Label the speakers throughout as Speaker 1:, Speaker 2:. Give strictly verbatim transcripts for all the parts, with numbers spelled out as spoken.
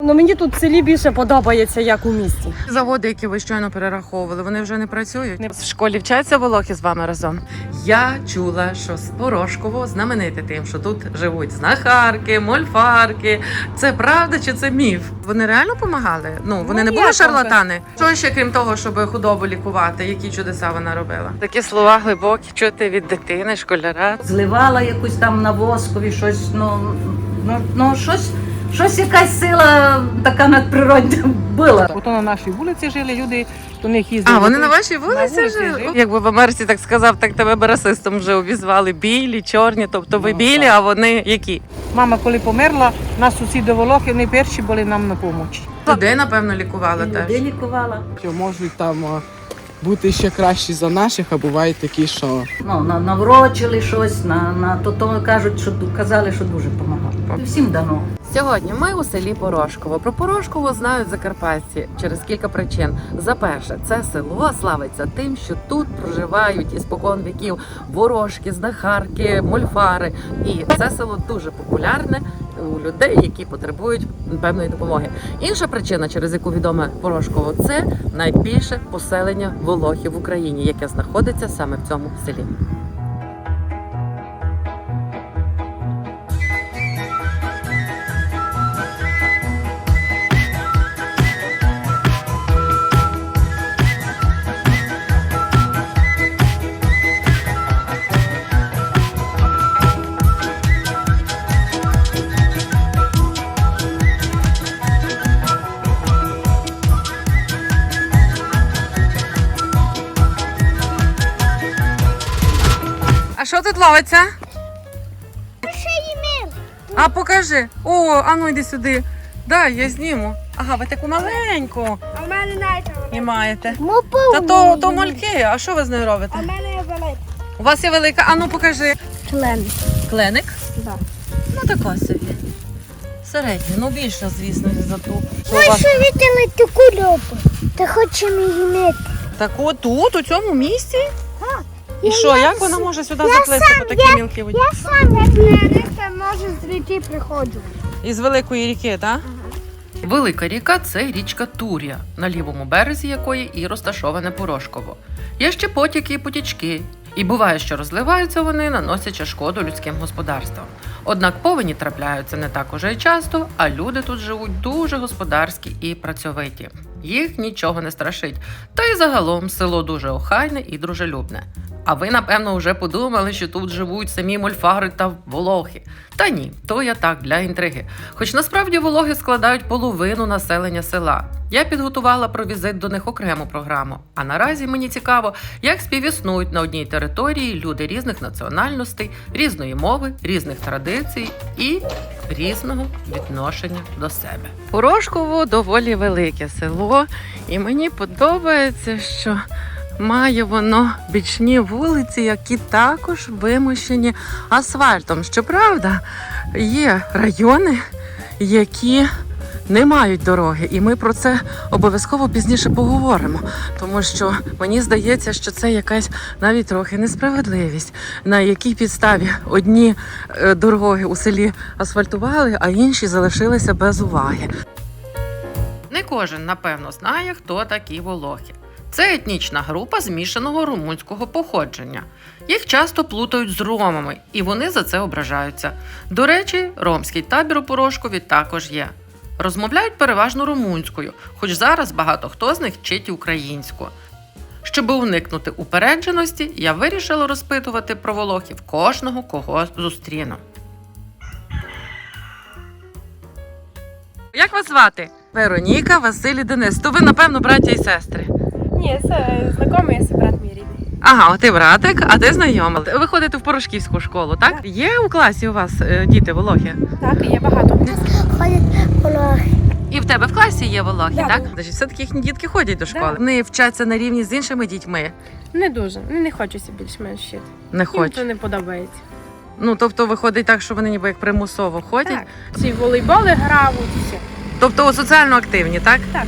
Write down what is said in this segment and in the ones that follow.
Speaker 1: Ну, мені тут в селі більше подобається, як у місті.
Speaker 2: Заводи, які ви щойно перераховували, вони вже не працюють? В школі вчаться волохи з вами разом? Я чула, що з Порошково знамените тим, що тут живуть знахарки, мольфарки. Це правда чи це міф? Вони реально допомагали? Ну, вони
Speaker 1: Ну,
Speaker 2: не були
Speaker 1: як
Speaker 2: шарлатани? Що ще, крім того, щоб худобу лікувати? Які чудеса вона робила? Такі слова глибокі чути від дитини, школяра.
Speaker 3: Зливала якусь там на воскові, щось, ну, ну, ну щось, щось якась сила така надприродна була.
Speaker 4: Ото на нашій вулиці жили люди, до них їздили.
Speaker 2: А, вони на вашій вулиці
Speaker 4: вулиці
Speaker 2: жили?
Speaker 4: жили.
Speaker 2: Якби в Америці так сказав, так тебе би расистом вже обізвали. Білі, чорні, тобто ви
Speaker 4: Ну,
Speaker 2: білі,
Speaker 4: так.
Speaker 2: а вони які?
Speaker 4: Мама, коли померла, нас сусіди волохи, вони перші були нам на допомогу.
Speaker 2: Людей, напевно, лікували теж.
Speaker 3: Людей лікувала.
Speaker 5: Що можуть там а, бути ще кращі за наших, а бувають такі, що
Speaker 3: Ну, на- наврочили щось, на, на то, то кажуть, що ду- казали, що дуже допомагало. І всім дано.
Speaker 2: Сьогодні ми у селі Порошково. Про Порошково знають закарпатці через кілька причин. За перше, це село славиться тим, що тут проживають іспокон віків ворожки, знахарки, мольфари. І це село дуже популярне у людей, які потребують певної допомоги. Інша причина, через яку відоме Порошково, це найбільше поселення волохів в Україні, яке знаходиться саме в цьому селі. А що тут ловиться? А покажи. О, а ну йди сюди. Дай, я зніму. Ага, ви таку маленьку.
Speaker 6: А в мене знаєте,
Speaker 2: І маєте.
Speaker 6: мопу.
Speaker 2: Та то, то мольки, а що ви з нею робите?
Speaker 6: А в мене є велика.
Speaker 2: У вас є велика, а ну покажи.
Speaker 6: Член.
Speaker 2: Кленик?
Speaker 6: Да.
Speaker 2: Ну така собі. Середня, ну більша, звісно, за ту. Що у
Speaker 6: Ми
Speaker 2: вас?
Speaker 6: ще виділи таку льопу. Ти хочемо її мити.
Speaker 2: Таку тут, у цьому місці?
Speaker 6: Так.
Speaker 2: І
Speaker 6: Я-
Speaker 2: що,
Speaker 6: я
Speaker 2: як
Speaker 6: с-
Speaker 2: вона може сюди
Speaker 6: я
Speaker 2: заплисти
Speaker 6: сам,
Speaker 2: по такій мілкій воді?
Speaker 6: Я сам як мене, це може з ріки приходжу.
Speaker 2: Із великої ріки, так? Велика ріка це річка Тур'я, на лівому березі якої і розташоване Порошково. Є ще потяки і потічки. І буває, що розливаються вони, наносячи шкоду людським господарствам. Однак повені трапляються не так уже й часто, а люди тут живуть дуже господарські і працьовиті. Їх нічого не страшить. Та й загалом село дуже охайне і дружелюбне. А ви, напевно, вже подумали, що тут живуть самі мольфари та волохи. Та ні, то я так, для інтриги. Хоч насправді волохи складають половину населення села. Я підготувала про візит до них окрему програму. А наразі мені цікаво, як співіснують на одній території люди різних національностей, різної мови, різних традицій і різного відношення до себе. Порошково доволі велике село, і мені подобається, що має воно бічні вулиці, які також вимощені асфальтом. Щоправда, є райони, які не мають дороги, і ми про це обов'язково пізніше поговоримо, тому що мені здається, що це якась навіть трохи несправедливість, на якій підставі одні е, дороги у селі асфальтували, а інші залишилися без уваги. Не кожен, напевно, знає, хто такі волохи. Це етнічна група змішаного румунського походження. Їх часто плутають з ромами, і вони за це ображаються. До речі, ромський табір у Порошкові також є. Розмовляють переважно румунською, хоч зараз багато хто з них вчить українську. Щоб уникнути упередженості, я вирішила розпитувати про волохів кожного, кого зустріну. Як вас звати? Вероніка, Василь і Денис. То ви, напевно, браття і сестри.
Speaker 1: Ні, це знайомий, це брат мій рідний.
Speaker 2: Ага, ти братик, а ти знайома. Ви ходите в Порошківську школу, так? Є у класі у вас е, діти волохи?
Speaker 1: Так, є багато.
Speaker 6: Ходять волохи.
Speaker 2: І в тебе в класі є волохи,
Speaker 1: Да.
Speaker 2: так? Значить, все-таки їхні дітки ходять до школи.
Speaker 1: Да.
Speaker 2: Вони вчаться на рівні з іншими дітьми.
Speaker 1: Не дуже. Не, не хочеться більш-менш вчити.
Speaker 2: Не
Speaker 1: Їм
Speaker 2: хочуть.
Speaker 1: це не подобається.
Speaker 2: Ну, тобто виходить так, що вони ніби як примусово ходять.
Speaker 1: Так. Ці волейболи грають, все.
Speaker 2: Тобто соціально активні, так?
Speaker 1: Так.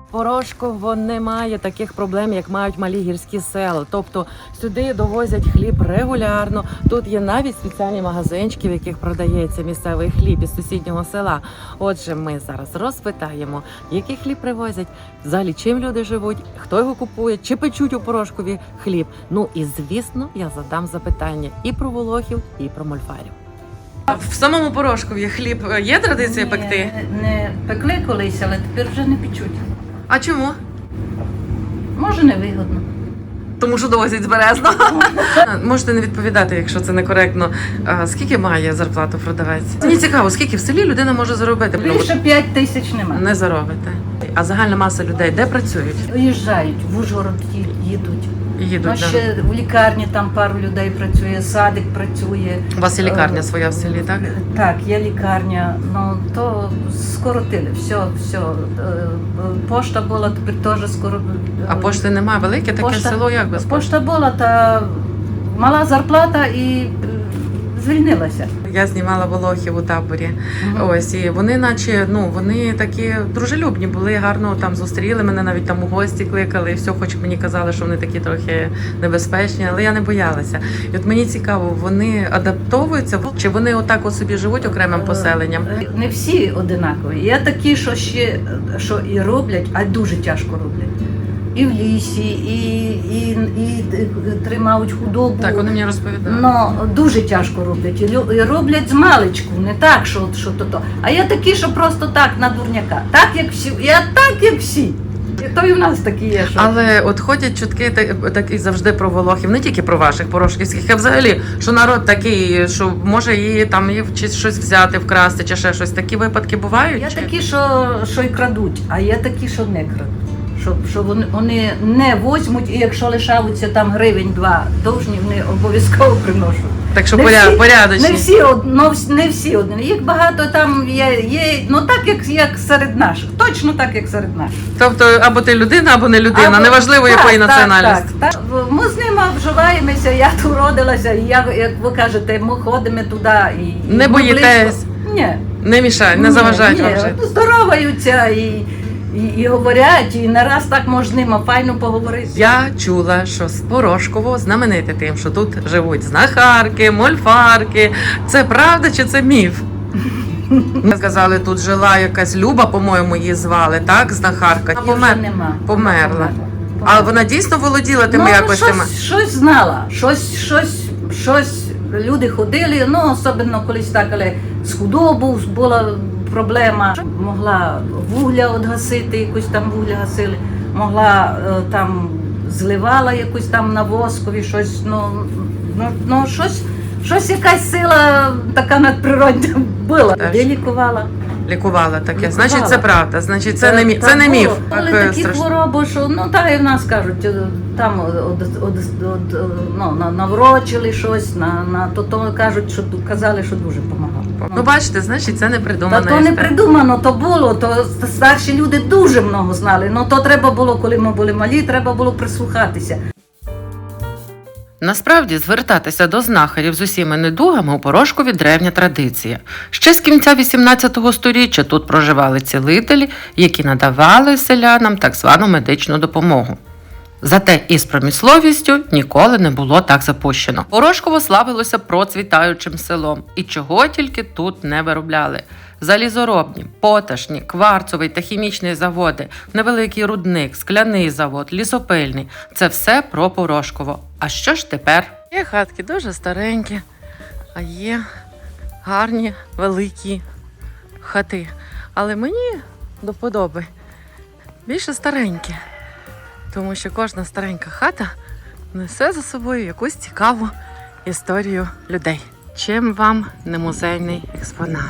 Speaker 2: Порошково не має таких проблем, як мають малі гірські села. Тобто сюди довозять хліб регулярно. Тут є навіть спеціальні магазинчики, в яких продається місцевий хліб із сусіднього села. Отже, ми зараз розпитаємо, який хліб привозять, взагалі чим люди живуть, хто його купує, чи печуть у Порошкові хліб. Ну і звісно, я задам запитання і про волохів, і про мольфарів. В самому Порошкові хліб є традиція
Speaker 3: Ні,
Speaker 2: пекти?
Speaker 3: Не пекли колись, але тепер вже не печуть.
Speaker 2: А чому?
Speaker 3: Може, невигодно.
Speaker 2: Тому що довозять з Березного. Можете не відповідати, якщо це некоректно. А скільки має зарплату продавець? Мені цікаво, скільки в селі людина може заробити?
Speaker 3: Більше п'ять тисяч нема.
Speaker 2: Не заробите. А загальна маса людей де працюють?
Speaker 3: Виїжджають, в Ужгород ї- їдуть.
Speaker 2: Їдуть.
Speaker 3: Ну,
Speaker 2: Да.
Speaker 3: ще в лікарні там пару людей працює, садик працює.
Speaker 2: У вас є лікарня своя в селі, так?
Speaker 3: Так, є лікарня, ну то скоротили, все, все. Е, Пошта була, тепер теж скоро.
Speaker 2: А пошти немає, велике таке
Speaker 3: Пошта-
Speaker 2: село, як без пошти?
Speaker 3: Пошта була, та мала зарплата і е, звільнилася.
Speaker 2: Я знімала волохів у таборі.
Speaker 3: Мгм.
Speaker 2: Ось, і вони, наче, ну, вони такі дружелюбні були, гарно там зустріли мене, навіть там у гості кликали, і все, хоч мені казали, що вони такі трохи небезпечні, але я не боялася. І от мені цікаво, вони адаптовуються, чи вони отак от собі живуть окремим поселенням?
Speaker 3: Е, Не всі одинакові. Є такі, що ще що і роблять, а дуже тяжко роблять. І в лісі, і, і, і, тримають худобу.
Speaker 2: Так, вони мені розповідали.
Speaker 3: Ну, дуже тяжко роблять. І лю- і роблять з маличку, не так, що, що то то. А є такі, що просто так, на дурняка. Так, як всі. Я так, як всі. І то і в нас такі є, що.
Speaker 2: Але от ходять чутки так, так і завжди про волохів, не тільки про ваших порошківських, а взагалі, що народ такий, що може її там її чи щось взяти, вкрасти, чи ще щось. Такі випадки бувають?
Speaker 3: Є
Speaker 2: чи?
Speaker 3: такі, що, що й крадуть, а є такі, що не крадуть. Що, що вони, вони не возьмуть, і якщо лишаються там гривень-два довжні, вони обов'язково приношуть.
Speaker 2: Так що
Speaker 3: Не
Speaker 2: поряд,
Speaker 3: всі-
Speaker 2: порядочні.
Speaker 3: Не всі, од- ну, вс- не всі одні. Їх багато там є, є ну так, як, як серед наших. Точно так, як серед наших.
Speaker 2: Тобто або ти людина, або не людина,
Speaker 3: Або-
Speaker 2: неважливо
Speaker 3: так,
Speaker 2: якої
Speaker 3: так,
Speaker 2: національності.
Speaker 3: Так, так. Ми з ними вживаємося, я тут родилася, і я, як ви кажете, ми ходимо туди. І, і
Speaker 2: Не
Speaker 3: ми
Speaker 2: боїтесь?
Speaker 3: близько. Ні.
Speaker 2: Не мішають, не
Speaker 3: Ні,
Speaker 2: заважають
Speaker 3: ні,
Speaker 2: вам жити.
Speaker 3: ну, здороваються і, і, і говорять, і не раз так можна з ними файно поговорити.
Speaker 2: Я чула, що з Порошково знамените тим, що тут живуть знахарки, мольфарки. Це правда чи це міф? Сказали, тут жила якась Люба, по-моєму, її звали, так? Знахарка.
Speaker 3: Її вже нема.
Speaker 2: Померла. А вона дійсно володіла тими
Speaker 3: ну,
Speaker 2: якостями?
Speaker 3: щось, щось знала, щось, щось, щось люди ходили, ну, особливо колись так, але з худобу була проблема. Могла вугля одгасити, якусь там вугля гасили, могла е, там зливала якусь там на воскові, щось, ну, ну, ну щось, щось якась сила така надприродна була.
Speaker 2: Теж.
Speaker 3: Де лікувала.
Speaker 2: Лікувала таке.
Speaker 3: Лікувала.
Speaker 2: Значить, це правда. Значить, це
Speaker 3: Та-
Speaker 2: не міф.
Speaker 3: та
Speaker 2: Це не
Speaker 3: було.
Speaker 2: міф.
Speaker 3: Але
Speaker 2: Так,
Speaker 3: такі
Speaker 2: страшно.
Speaker 3: хвороби, що ну так і в нас кажуть, е, там од, од, од, од, ну, на- наврочили щось, на, на то, то кажуть, що казали, що дуже допомагало.
Speaker 2: Ну, бачите, значить, це не
Speaker 3: Та
Speaker 2: придумана
Speaker 3: то не
Speaker 2: історія.
Speaker 3: придумано, то було, то старші люди дуже много знали. Ну то треба було, коли ми були малі, треба було прислухатися.
Speaker 2: Насправді, звертатися до знахарів з усіма недугами у Порошкові древня традиція. Ще з кінця вісімнадцятого сторіччя тут проживали цілителі, які надавали селянам так звану медичну допомогу. Зате із промисловістю ніколи не було так запущено. Порошково славилося процвітаючим селом, і чого тільки тут не виробляли. Залізоробні, поташні, кварцовий та хімічний заводи, невеликий рудник, скляний завод, лісопильний – це все про Порошково. А що ж тепер? Є хатки дуже старенькі, а є гарні, великі хати. Але мені до вподоби більше старенькі, тому що кожна старенька хата несе за собою якусь цікаву історію людей. Чим вам не музейний експонат?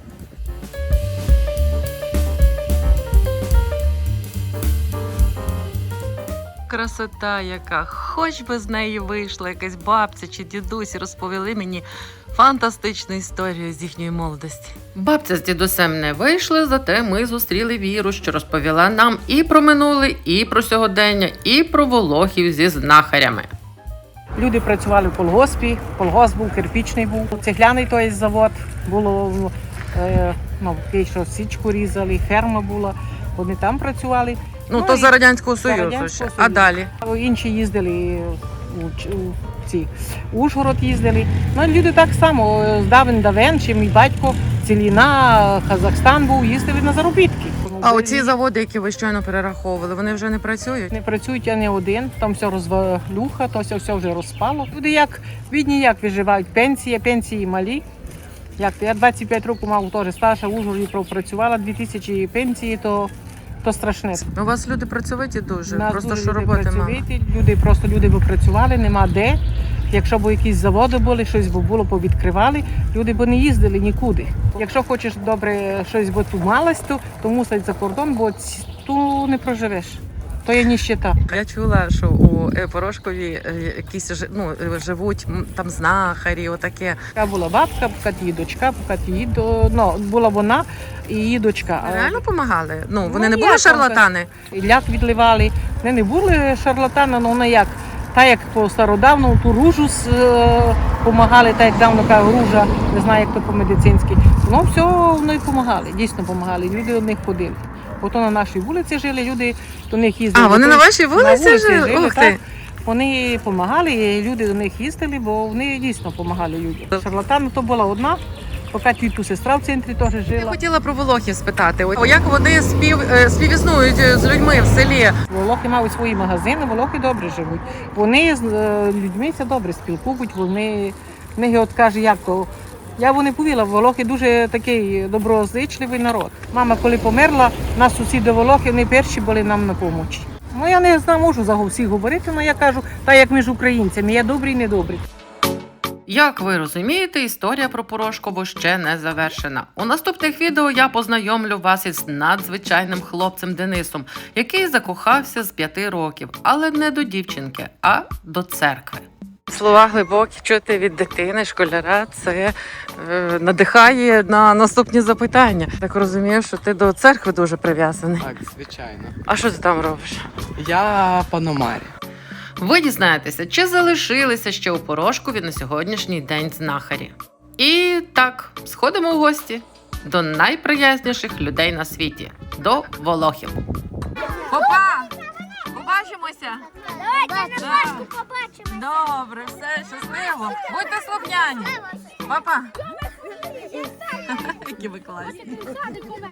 Speaker 2: Красота яка, хоч би з неї вийшла якась бабця чи дідусь і розповіли мені фантастичну історію з їхньої молодості. Бабця з дідусем не вийшли, зате ми зустріли Віру, що розповіла нам і про минуле, і про сьогодення, і про волохів зі знахарями.
Speaker 4: Люди працювали в колгоспі, колгосп був, кирпічний був, цегляний той завод, було, е, ну, ті, що січку різали, ферма була, вони там працювали.
Speaker 2: Ну,
Speaker 4: Ну,
Speaker 2: то
Speaker 4: і
Speaker 2: за Радянського
Speaker 4: за
Speaker 2: Союзу
Speaker 4: Радянського
Speaker 2: ще. А
Speaker 4: Союзу.
Speaker 2: далі?
Speaker 4: Інші їздили у, Ч- у ці у Ужгород їздили. Ну, люди так само з давен давен, ще мій батько, Целіна, Казахстан був, їздили на заробітки.
Speaker 2: А оці заводи, які ви щойно перераховували, вони вже не працюють?
Speaker 4: Не працюють, а не один, там все розвалюха, то все, все вже розпало. Люди як бідні, як виживають, пенсія, пенсії малі. Як то я двадцять п'ять років мав теж стаж, а в Ужгороді пропрацювала дві тисячі пенсії, то, то страшне.
Speaker 2: У вас люди працьовиті дуже,
Speaker 4: У нас
Speaker 2: просто
Speaker 4: дуже
Speaker 2: що
Speaker 4: люди
Speaker 2: роботи мало.
Speaker 4: працьовиті, люди просто люди би працювали, нема де. Якщо б якісь заводи були, щось би було, повідкривали, люди б не їздили нікуди. Якщо хочеш добре щось би тут малось, то, то мусить за кордон, бо ці- тут не проживеш. То є ніщета.
Speaker 2: Я чула, що у е, Порошкові е, якісь жи- ну, е, живуть м, там знахарі, отаке.
Speaker 4: Така була бабка, поки її дочка, поки її до... ну, була вона і її дочка. А
Speaker 2: Реально допомагали? Ну, вони
Speaker 4: Ну,
Speaker 2: не були
Speaker 4: як там
Speaker 2: шарлатани?
Speaker 4: ляк відливали. Вони не були шарлатани, але вони як. Та як по стародавному ту ружу допомагали, та як давно кажу, ружа, не знаю, як то по-медицинськи. Ну, все вони допомагали, дійсно допомагали. Люди до них ходили. Ото на нашій вулиці жили, люди до них їздили.
Speaker 2: А, вони на
Speaker 4: Ото
Speaker 2: вашій
Speaker 4: на
Speaker 2: вулиці жили? Ух
Speaker 4: так.
Speaker 2: ти!
Speaker 4: Вони допомагали, і люди до них їздили, бо вони дійсно допомагали людям. Шарлатан то була одна, поки тіту сестра в центрі теж
Speaker 2: Я
Speaker 4: жила.
Speaker 2: хотіла про Волохів спитати. О, як вони спів, е, співіснують е, з людьми в селі?
Speaker 4: Волохи мають свої магазини, волохи добре живуть. Вони з е, людьми це добре спілкують, вони в них от каже, як то. Я б не повіла, волохи дуже такий доброзичливий народ. Мама, коли померла, нас сусіди волохи, вони перші були нам на помочі. Ну я не знаю, можу за всіх говорити, але я кажу, так як між українцями, є добрі і недобрі.
Speaker 2: Як ви розумієте, історія про Порошкову ще не завершена. У наступних відео я познайомлю вас із надзвичайним хлопцем Денисом, який закохався з п'яти років, але не до дівчинки, а до церкви. Слова глибокі чути від дитини, школяра, це е, надихає на наступні запитання. Так розумію, що ти до церкви дуже прив'язаний.
Speaker 5: Так, звичайно.
Speaker 2: А що ти там робиш?
Speaker 5: Я паномарі.
Speaker 2: Ви дізнаєтеся, чи залишилися ще у Порошкові на сьогоднішній день знахарі. І так, сходимо в гості до найприязніших людей на світі – до волохів. Опа! Побачимося!
Speaker 6: Давайте на Пасху побачимо.
Speaker 2: Добре, все, щасливо! Будьте слухняні! Папа! Які ви класні!